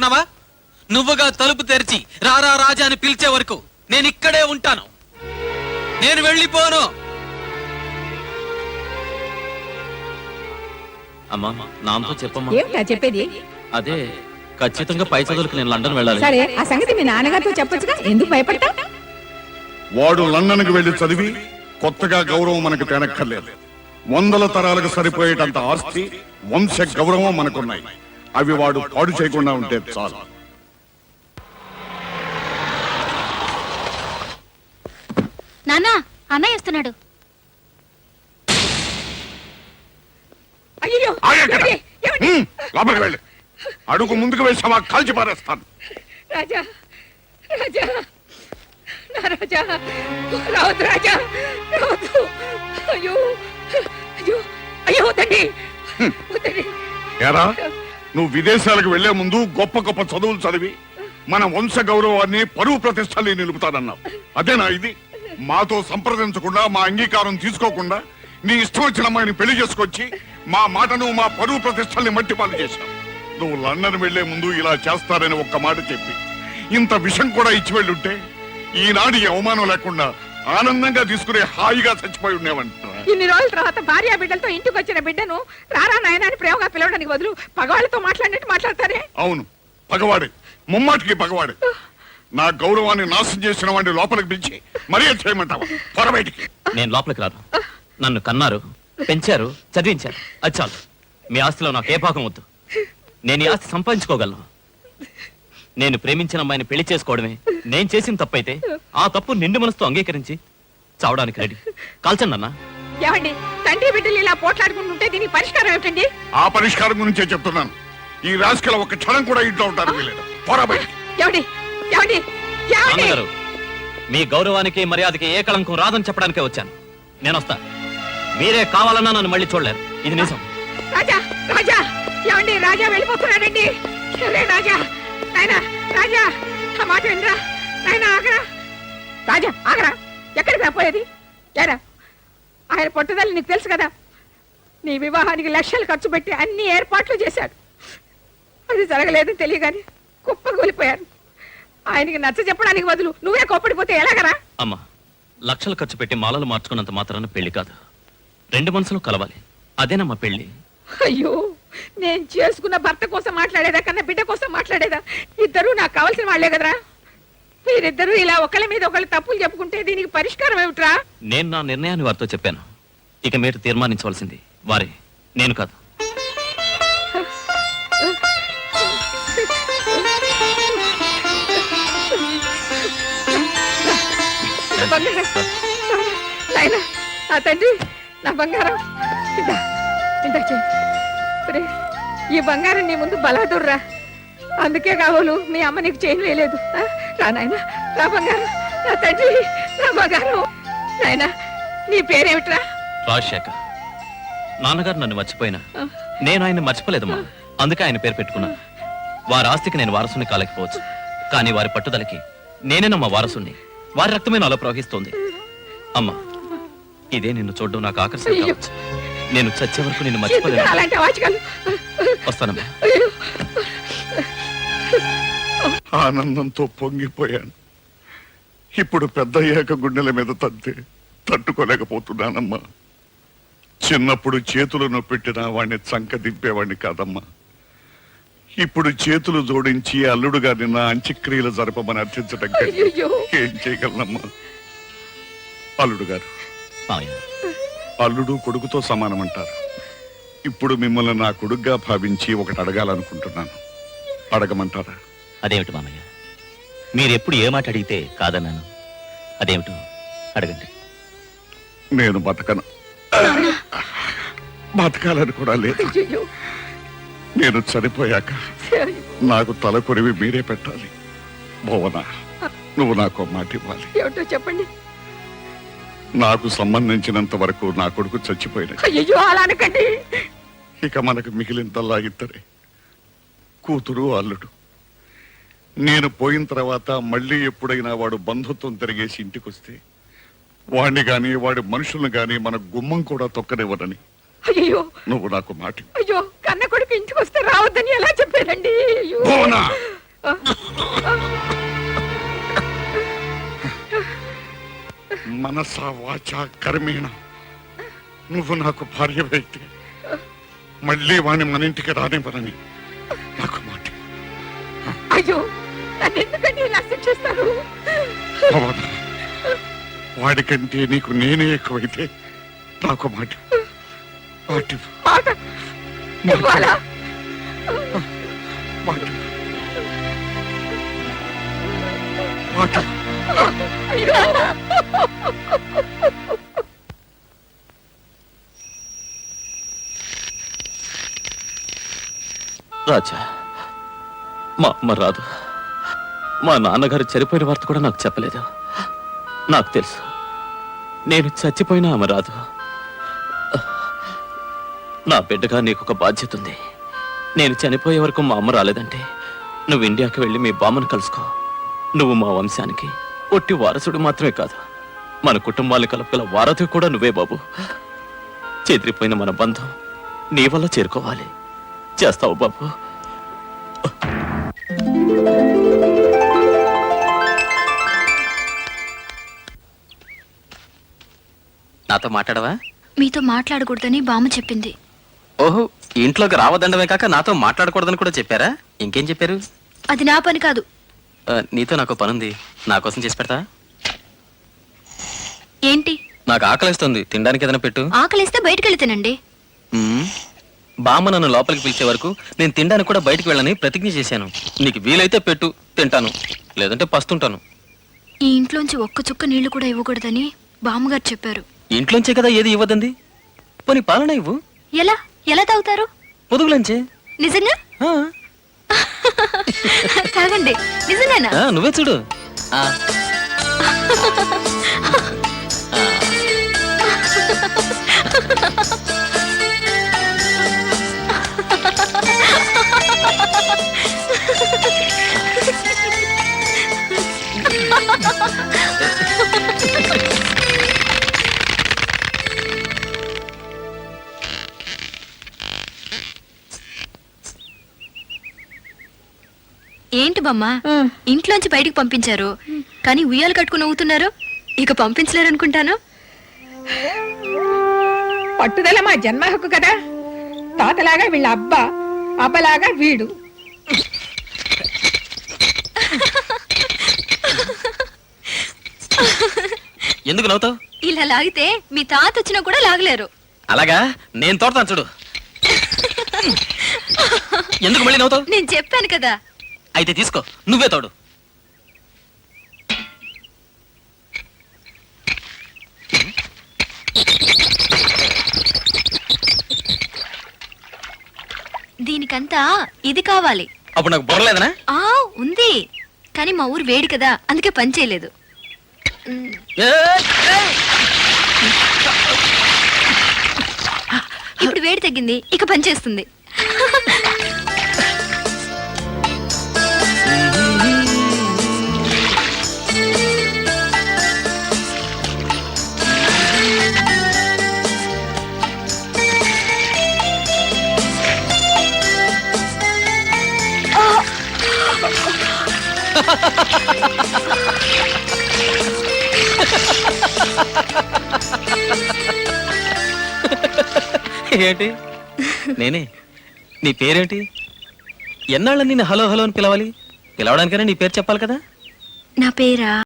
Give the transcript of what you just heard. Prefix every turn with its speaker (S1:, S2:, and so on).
S1: అనుకున్నావా? నువ్వుగా తలుపు తెరిచి రారా రాజా అని పిలిచే వరకు నేను ఇక్కడే ఉంటాను. నేను వెళ్ళిపోను.
S2: అమ్మా నాన్నతో చెప్పమ్మా.
S3: ఏమిటా చెప్పేది?
S2: అదే ఖచ్చితంగా పై చదువులకు నేను లండన్ వెళ్ళాలి.
S3: సరే, ఆ సంగతి మీ నాన్నగారితో చెప్పొచ్చుగా, ఎందుకు భయపడ్డా?
S4: వాడు లండన్కి వెళ్లి చదివి కొత్తగా గౌరవం మనకు తేనక్కర్లేదు. 100 తరాలకు సరిపోయేటంత ఆస్తి, వంశ గౌరవం మనకున్నాయి. అవి వాడు పాడు చేయకుండా ఉంటే చాలు.
S5: నాన్న, అన్నయ్య వస్తున్నాడు.
S3: అయ్యో,
S4: లోపలికి వెళ్ళి అడుగు ముందుకు వేసావా కాల్చి పారేస్తాను.
S3: రాజా, రాజా, నా రాజా, రావద్దు రాజా, రావద్దు. అయ్యో, అయ్యో, అయ్యో, వద్దండి, వద్దండి.
S4: ఏరా, నువ్వు విదేశాలకు వెళ్లే ముందు గొప్ప గొప్ప చదువులు చదివి మన వంశ గౌరవాన్ని, పరువు ప్రతిష్టల్ని నిలుపుతానన్నావు. అదేనా ఇది? మాతో సంప్రదించకుండా, మా అంగీకారం తీసుకోకుండా నీ ఇష్టం వచ్చిన అమ్మాయిని పెళ్లి చేసుకొచ్చి మా మాటను, మా పరువు ప్రతిష్టల్ని మట్టిపాలు చేశావు. నువ్వు లండన్ వెళ్లే ముందు ఇలా చేస్తారని ఒక్క మాట చెప్పి ఇంత విషం కూడా ఇచ్చి వెళ్ళుంటే ఈనాడు ఈ అవమానం లేకుండా ఆనందంగా తీసుకునే హాయిగా చచ్చిపోయి ఉండేవంట.
S3: ఇన్ని రోజుల తర్వాత భార్య బిడ్డలతో ఇంటికి వచ్చిన బిడ్డను రారా నాయనా అని ప్రేమగా పిలవడానికి బదులు పగవాళ్ళతో మాట్లాడినట్టు మాట్లాడతారే.
S4: అవును, పగవాడే, ముమ్మాటికి పగవాడే. నా గౌరవాన్ని నాశనం చేసిన వాడిని లోపలికి పిలిచి మర్యాద చేయమంటావా? త్వర బయటికి.
S2: నేను లోపలికి రాను. నన్ను కన్నారు, పెంచారు, చదివించారు, అది చాలు. మీ ఆస్తిలో నాకు ఏ భాగం వద్దు. నేను ఈ ఆస్తి సంపాదించుకోగలను. నేను ప్రేమించిన అమ్మాయిని పెళ్లి చేసుకోవడమే నేను చేసిన తప్పైతే ఆ తప్పు నిండు మనసుతో అంగీకరించి చావడానికి రెడీ. కాల్చండి అన్న.
S3: ఏమండి, తండ్రి బిడ్డలు ఇలా పోట్లాడుకుంటుంటే దీనికి పరిష్కారం ఏమిటండి?
S4: ఆ పరిష్కారం గురించే చెప్తున్నాను. ఈ రాజకీయాల ఒక క్షణం కూడా ఇంట్లో ఉంటారు వీలేదు. త్వర బయటికి.
S3: ఏమండి, ఏమండి, ఏమండి?
S2: నాన్నగారు, మీ గౌరవానికి మర్యాదకి ఏ కళంకం రాదని చెప్పడానికే వచ్చాను. నేను వస్తా. మీరే కావాలన్నా నన్ను మళ్ళీ చూడలేరు. ఇది నిజం.
S3: రాజా, రాజా, ఏమండి, రాజా వెళ్ళిపోతున్నాడండి. రాజా, నాయనా, రాజా, ఆ మాట వినరా నాయనా, ఆగరా రాజా, ఆగరా. ఎక్కడికి రాపోయేది? ఏరా, ఆయన పట్టుదల నీకు తెలుసు కదా. నీ వివాహానికి లక్షలు ఖర్చు పెట్టి అన్ని ఏర్పాట్లు చేశాడు. అది జరగలేదని తెలియగానే కుప్పగూలిపోయారు. ఆయనకి నచ్చ చెప్పడానికి బదులు నువ్వే కోప్పడిపోతే ఎలాగరా?
S2: అమ్మా, లక్షలు ఖర్చు పెట్టి మాలలు మార్చుకున్నంత మాత్రాన పెళ్లి కాదు. 2 మనసులు కలవాలి. అదేనమ్మా పెళ్లి.
S3: అయ్యో, నేను చేసుకున్న భర్త కోసం మాట్లాడేదా కన్నా బిడ్డ కోసం మాట్లాడేదా? ఇద్దరు నాకు కావాల్సిన వాళ్లే కదరా. మీరిద్దరూ ఇలా ఒకళ్ళ మీద ఒకళ్ళు తప్పులు చెప్పుకుంటే దీనికి పరిష్కారం ఏమిట్రా?
S2: నేను నా నిర్ణయాన్ని వారితో చెప్పాను. ఇక మీరు తీర్మానించవలసింది వారే, నేను కాదు.
S3: నాయనా, నా తండ్రి, నా బంగారం, ఈ బంగారం నీ ముందు బలాదుర్రా. అందుకే కావాలు మీ అమ్మ నీకు చేయను వేయలేదు. రా నాయనా, నా బంగారం, నా తండ్రి, నా బంగారం. నాయనా, నీ పేరేమిట్రా?
S2: రాజశేఖర్. నాన్నగారు నన్ను మర్చిపోయినా నేను ఆయన మర్చిపోలేదమ్మా. అందుకే ఆయన పేరు పెట్టుకున్నాను. వారి ఆస్తికి నేను వారసుని కాలేకపోవచ్చు, కానీ వారి పట్టుదలకి నేనేనమ్మా వారసుని. వారి రక్తమే నాలో ప్రవహిస్తోంది. అమ్మా, ఇదే నిన్ను చూడడం నాకు ఆకర్షణ కావచ్చు. నేను చచ్చే వరకు నిన్ను మర్చిపోలేను. వస్తానమ్మా.
S4: ఆనందంతో పొంగిపోయాను. ఇప్పుడు పెద్దయ్యాక గుండెల మీద తట్టుకోలేకపోతున్నానమ్మా. చిన్నప్పుడు చేతులను పెట్టిన వాడిని చంక దింపేవాడిని కాదమ్మా. ఇప్పుడు చేతులు జోడించి అల్లుడు గారిని నా అంత్యక్రియలు జరపమని అర్థించడం ఏం చేయగలనమ్మా? అల్లుడు గారు, అల్లుడు కొడుకుతో సమానమంటారు. ఇప్పుడు మిమ్మల్ని నా కొడుకుగా భావించి ఒకటి అడగాలనుకుంటున్నాను. అడగమంటారా?
S2: అదేమిటి మామయ్య, మీరెప్పుడు ఏ మాట అడిగితే కాదన్నాను. అదేమిటో అడగండి.
S4: నేను బతకాలని కూడా లేదు. నేను చనిపోయాక నాకు తల కొరివి మీరే పెట్టాలి. భువన, నువ్వు నాకు మాట ఇవ్వాలి.
S3: ఏమిటో చెప్పండి.
S4: నాకు సంబంధించినంత వరకు నా కొడుకు చచ్చిపోయిన.
S3: అయ్యో, అలా అనకండి.
S4: ఇక మనకు మిగిలింతల్లా ఇద్దరే, కూతురు, అల్లుడు. నేను పోయిన తర్వాత మళ్ళీ ఎప్పుడైనా వాడు బంధుత్వం తిరిగేసి ఇంటికొస్తే వాడిని గాని వాడి మనుషులను గాని మన గుమ్మం కూడా తొక్కనివ్వనని
S3: అయ్యో
S4: నువ్వు నాకు మాట.
S3: అయ్యో, కన్న కొడుకు ఇంటికి వస్తే రావద్దని ఎలా చెప్పారండి?
S4: భువన, మనస వాచ కర్మేణ నువ్వు నాకు భార్యవైతే మళ్ళీ వాణ్ణి మన ఇంటికి రానివ్వనని నాకు మాట.
S3: అయ్యో నన్ను ఎందుకంటే ఇలా శిక్షిస్తారు?
S4: భవన, వాడికంటే నీకు నేనే ఎక్కువైతే నాకు మాట. మాట
S3: మాట ఇవ్వాలా?
S4: మాట మాట.
S3: అయ్యో
S2: రాజా, మా అమ్మ రాదు. మా నాన్నగారు చనిపోయిన వార్త కూడా నాకు చెప్పలేదు. నాకు తెలుసు, నేను చచ్చిపోయినా ఆమె రాదు. నా బిడ్డగా నీకు ఒక బాధ్యత ఉంది. నేను చనిపోయే వరకు మా అమ్మ రాలేదంటే నువ్వు ఇండియాకి వెళ్ళి మీ బామ్మను కలుసుకో. నువ్వు మా వంశానికి ఒట్టి వారసుడు మాత్రమే కాదు, మన కుటుంబాలను కలుపుగల వారధి కూడా నువ్వే బాబు. చెదిరిపోయిన మన బంధం నీ వల్ల చేరుకోవాలి. చేస్తావు బాబు.
S6: నాతో మాట్లాడవా?
S5: మీతో మాట్లాడకూడదని బామ్మ చెప్పింది.
S6: ఓహో, ఇంట్లోకి రావద్దండమే కాక నాతో మాట్లాడకూడదని కూడా చెప్పారా? ఇంకేం చెప్పారు?
S5: అది నా పని కాదు.
S6: నీతో నాకు పనుంది, నా కోసం చేసి పెడతా?
S5: ఏంటి?
S6: నాకు ఆకలిస్తుంది, తినడానికి ఏదైనా పెట్టు.
S5: ఆకలిస్తే బయటకెళ్ళి తినండి.
S6: మ్మ్. బామ్మ నన్ను లోపలికి పిలిచే వరకు నేను తినడానికి కూడా బయటికి వెళ్ళని ప్రతిజ్ఞ చేశాను. నీకు వీలైతే పెట్టు, తింటాను, లేదంటే పస్తుంటాను.
S5: ఈ ఇంట్లోంచి ఒక్క చుక్క నీళ్లు కూడా ఇవ్వకూడదని బామ్మగారు చెప్పారు.
S6: ఇంట్లోంచే కదా ఏది ఇవ్వదండి. పోనీ పాలన ఇవ్వు.
S5: ఎలా ఎలా తాగుతారు?
S6: పొదుగులంచే.
S5: నిజంగా?
S6: ఆ,
S5: తాగండి. నిజంగానా?
S6: నువ్వే చూడు. ఆ.
S5: ఏంటి బామ్మ, ఇంట్లోంచి బయటికి పంపించారు కానీ ఉయ్యాలు కట్టుకుని ఊగుతున్నారు. ఇక పంపించలేరనుకుంటాను.
S3: పట్టుదల మా జన్మ హక్కు కదా. తాతలాగా వీళ్ళ అబ్బా, అబ్బలాగా వీడు.
S6: ఎందుకు నవ్వుతావు?
S5: ఇలా లాగితే మీ తాత వచ్చినా కూడా లాగలేరు.
S6: అలాగా, నేను తోడతాను చూడు. ఎందుకు మళ్ళీ నవ్వుతావు?
S5: నేను చెప్పాను కదా.
S6: అయితే తీసుకో, నువ్వే తోడు.
S5: దీనికంతా ఇది కావాలి.
S6: అప్పుడు నాకు బొరలేదనా?
S5: ఆ ఉంది, కానీ మా ఊరు వేడి కదా, అందుకే పని చేయలేదు. ఇప్పుడు వేడి తగ్గింది, ఇక పని చేస్తుంది.
S6: ఏంటి? నేనే. నీ పేరేంటి? ఎన్నాళ్ళని నేను హలో హలో అని పిలవాలి? పిలవడానికైనా నీ పేరు చెప్పాలి కదా.
S5: నా పేరా